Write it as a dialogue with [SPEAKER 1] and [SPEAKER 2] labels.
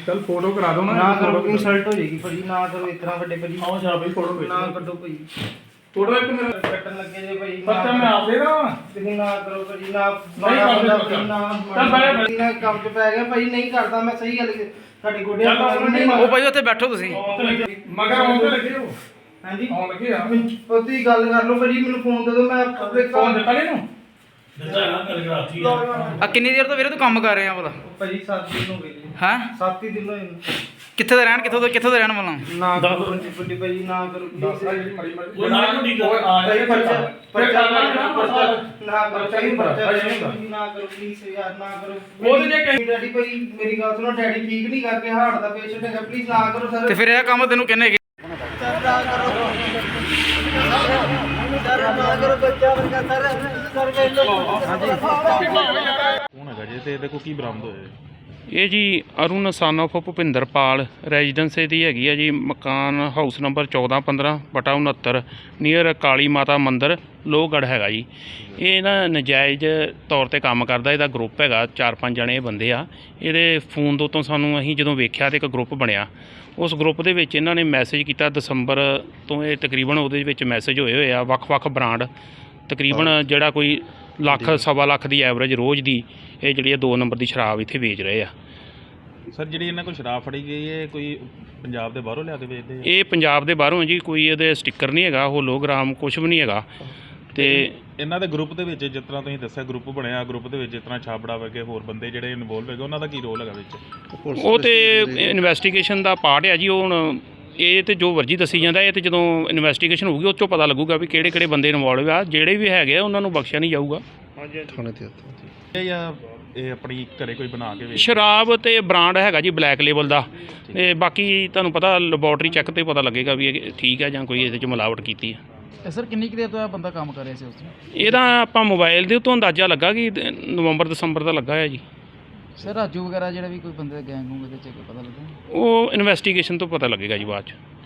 [SPEAKER 1] चल फोटो करा दो
[SPEAKER 2] ना करो, इंसल्ट हो जाएगी भाजी, ना करो इतना बड़े भाजी।
[SPEAKER 1] आओ जा भाई फोटो
[SPEAKER 2] ना करो भाई,
[SPEAKER 1] फोटो एक मेरा
[SPEAKER 2] कटन लगे जे भाई।
[SPEAKER 1] बच्चा मैं आप दे रहा हूं
[SPEAKER 2] तुम ना करो भाजी, ना
[SPEAKER 1] नहीं करदा
[SPEAKER 2] ना
[SPEAKER 1] चल बैठ
[SPEAKER 2] ना काम पे पै गया भाई, नहीं करदा मैं सही गल ਤੁਹਾਡੇ ਗੋਡੇ
[SPEAKER 3] ਉਹ ਭਾਈ ਉੱਥੇ ਬੈਠੋ ਤੁਸੀਂ।
[SPEAKER 1] मगर आउंदे लगे हो
[SPEAKER 2] ਹਾਂਜੀ
[SPEAKER 1] ਆਉਣ ਲੱਗੇ ਆ
[SPEAKER 2] ਪਤੀ ਗੱਲ ਕਰ ਲਓ ਭਾਜੀ, ਮੈਨੂੰ ਫੋਨ ਦੇ ਦਿਓ, ਮੈਂ ਆਪਣੇ
[SPEAKER 1] ਫੋਨ ਦਿੱਤਾ ਨਹੀਂ ਨੂੰ
[SPEAKER 3] ਆ ਕਿੰਨੀ ਦੇਰ ਤੋਂ ਵੀਰੇ ਤੂੰ ਕੰਮ ਕਰ ਰਿਹਾ ਭਲਾ?
[SPEAKER 2] ਭਾਜੀ 7 ਦਿਨ ਹੋ ਗਏ ਜੀ।
[SPEAKER 3] ਹਾਂ
[SPEAKER 2] 7 ਹੀ ਦਿਨ ਹੋਏ ਨੇ।
[SPEAKER 3] ਕਿੱਥੇ ਦਾ ਰਹਿਣ, ਕਿੱਥੋਂ ਦਾ ਰਹਿਣ ਵਾਲਾ?
[SPEAKER 2] ਨਾ ਕਰੋ ਵੱਡੀ ਭਾਜੀ, ਨਾ ਕਰੋ
[SPEAKER 1] ਦੱਸ
[SPEAKER 2] please।
[SPEAKER 1] ਜੀ ਮੜੀ ਮੜੀ
[SPEAKER 4] ਉਹ ਨਾ ਕੋਈ ਗੱਲ।
[SPEAKER 2] ਭਾਈ ਪਰਚਾ
[SPEAKER 1] ਨਾ
[SPEAKER 2] ਕਰੋ ਚਾਹੀਏ, ਪਰਚਾ ਨਾ ਕਰੋ ਪਲੀਜ਼ ਯਾਰ, ਨਾ ਕਰੋ।
[SPEAKER 1] ਉਹਦੇ ਜੇ ਕਹੀ-
[SPEAKER 2] ਡੈਡੀ ਭਾਈ ਮੇਰੀ ਗੱਲ ਸੁਣੋ, ਡੈਡੀ ਠੀਕ ਨਹੀਂ ਕਰਕੇ, ਹਾਰਟ ਦਾ ਪੇਸ਼ੈਂਟ ਹੈਗਾ, ਪਲੀਜ਼ ਨਾ ਕਰੋ ਸਰ।
[SPEAKER 3] ਤੇ ਫਿਰ ਇਹ ਕੰਮ ਤੈਨੂੰ ਕਿਹਨੇ ਕੀਤਾ?
[SPEAKER 4] ਕੌਣ ਹੈਗਾ ਜੀ ਤੇ ਇਹਦੇ ਕੋਲ ਕੀ ਬਰਾਮਦ ਹੋਇਆ?
[SPEAKER 5] ਇਹ ਜੀ Arun son of Bhupinderpal residence ਦੀ ਹੈਗੀ ਆ ਜੀ, ਮਕਾਨ ਹਾਊਸ ਨੰਬਰ 1415/69 ਨੀਅਰ ਕਾਲੀ ਮਾਤਾ ਮੰਦਿਰ ਲੋਹਗੜ੍ਹ ਹੈਗਾ ਜੀ। ਇਹ ਨਾ ਨਜਾਇਜ਼ ਤੌਰ ਤੇ ਕੰਮ ਕਰਦਾ, ਇਹਦਾ ਗਰੁੱਪ ਹੈਗਾ 4-5 ਜਣੇ ਬੰਦੇ ਆ। ਇਹਦੇ ਫੋਨ ਤੋਂ ਸਾਨੂੰ ਅਸੀਂ ਜਦੋਂ ਵੇਖਿਆ ਤੇ ਇੱਕ ਗਰੁੱਪ ਬਣਿਆ, ਉਸ ਗਰੁੱਪ ਦੇ ਵਿੱਚ ਇਹਨਾਂ ਨੇ ਮੈਸੇਜ ਕੀਤਾ ਦਸੰਬਰ ਤੋਂ। ਇਹ ਤਕਰੀਬਨ ਉਹਦੇ ਵਿੱਚ ਮੈਸੇਜ ਹੋਏ ਆ ਵੱਖ-ਵੱਖ ਬ੍ਰਾਂਡ, ਤਕਰੀਬਨ ਜਿਹੜਾ ਕੋਈ ਲੱਖ ਸਵਾ ਲੱਖ ਦੀ ਐਵਰੇਜ ਰੋਜ਼ ਦੀ ਇਹ ਜਿਹੜੀ 2 ਨੰਬਰ ਦੀ ਸ਼ਰਾਬ ਇੱਥੇ ਵੇਚ ਰਹੇ ਆ।
[SPEAKER 4] ਸਰ ਜਿਹੜੀ ਇਹਨਾਂ ਕੋਲ ਸ਼ਰਾਬ ਫੜੀ ਗਈ ਹੈ ਕੋਈ ਪੰਜਾਬ ਦੇ ਬਾਹਰੋਂ ਲਿਆ ਕੇ ਵੇਚਦੇ ਆ?
[SPEAKER 5] ਇਹ ਪੰਜਾਬ ਦੇ ਬਾਹਰੋਂ ਜੀ, ਕੋਈ ਇਹਦੇ ਸਟicker ਨਹੀਂ ਹੈਗਾ, ਹੋਲੋਗ੍ਰਾਮ ਕੁਝ ਵੀ ਨਹੀਂ ਹੈਗਾ। ਤੇ
[SPEAKER 4] ਇਹਨਾਂ ਦੇ ਗਰੁੱਪ ਦੇ ਵਿੱਚ ਜਿਸ ਤਰ੍ਹਾਂ ਤੁਸੀਂ ਦੱਸਿਆ ਗਰੁੱਪ ਬਣਿਆ, ਗਰੁੱਪ ਦੇ ਵਿੱਚ ਜਿਸ ਤਰ੍ਹਾਂ ਛਾਬੜਾ ਵਰਗੇ ਹੋਰ ਬੰਦੇ ਜਿਹੜੇ ਇਨਵੋਲਵ ਹੈਗੇ, ਉਹਨਾਂ ਦਾ ਕੀ ਰੋਲ ਹੈਗਾ ਵਿੱਚ?
[SPEAKER 5] ਉਹ ਤੇ ਇਨਵੈਸਟੀਗੇਸ਼ਨ ਦਾ ਪਾਰਟ ਹੈ ਜੀ। ਉਹ ਹੁਣ ਇਹ ਤੇ ਜੋ ਵਰਜੀ ਦੱਸੀ ਜਾਂਦਾ, ਇਹ ਤੇ ਜਦੋਂ ਇਨਵੈਸਟੀਗੇਸ਼ਨ ਹੋਊਗੀ ਉਹ 'ਚੋਂ ਪਤਾ ਲੱਗੂਗਾ ਵੀ ਕਿਹੜੇ ਬੰਦੇ ਇਨਵੋਲਵ ਆ। ਜਿਹੜੇ ਵੀ ਹੈਗੇ ਆ ਉਹਨਾਂ ਨੂੰ ਬਖਸ਼ਿਆ ਨਹੀਂ ਜਾਊਗਾ।
[SPEAKER 4] ਇਹ ਜਾਂ ਇਹ ਆਪਣੀ ਘਰੇ ਕੋਈ ਬਣਾ ਕੇ ਵੇਚ?
[SPEAKER 5] ਸ਼ਰਾਬ ਤੇ ਬ੍ਰਾਂਡ ਹੈਗਾ ਜੀ ਬਲੈਕ ਲੇਬਲ ਦਾ। ਤੇ ਬਾਕੀ ਤੁਹਾਨੂੰ ਪਤਾ ਲੈਬੋਰਟਰੀ ਚੈੱਕ ਤੇ ਪਤਾ ਲੱਗੇਗਾ ਵੀ ਇਹ ਠੀਕ ਹੈ ਜਾਂ ਕੋਈ ਇਹਦੇ 'ਚ ਮਿਲਾਵਟ ਕੀਤੀ ਹੈ।
[SPEAKER 3] ਸਰ ਕਿੰਨੀ ਕੁ ਦੇਰ ਤੋਂ ਇਹ ਬੰਦਾ ਕੰਮ ਕਰ ਰਿਹਾ ਸੀ ਉਸ ਤੋਂ?
[SPEAKER 5] ਇਹਦਾ ਆਪਾਂ ਮੋਬਾਈਲ ਦੇ ਉੱਤੋਂ ਅੰਦਾਜ਼ਾ ਲੱਗਾ ਕਿ ਨਵੰਬਰ ਦਸੰਬਰ ਦਾ ਲੱਗਾ ਹੈ ਜੀ।
[SPEAKER 3] ਸਰ ਰਾਜੂ ਵਗੈਰਾ ਜਿਹੜਾ ਵੀ ਕੋਈ ਬੰਦੇ ਦਾ ਗੈਂਗ ਹੋਊਗਾ ਇਹਦੇ 'ਚ ਪਤਾ ਲੱਗਾ?
[SPEAKER 5] ਉਹ ਇਨਵੈਸਟੀਗੇਸ਼ਨ ਤੋਂ ਪਤਾ ਲੱਗੇਗਾ ਜੀ ਬਾਅਦ 'ਚ।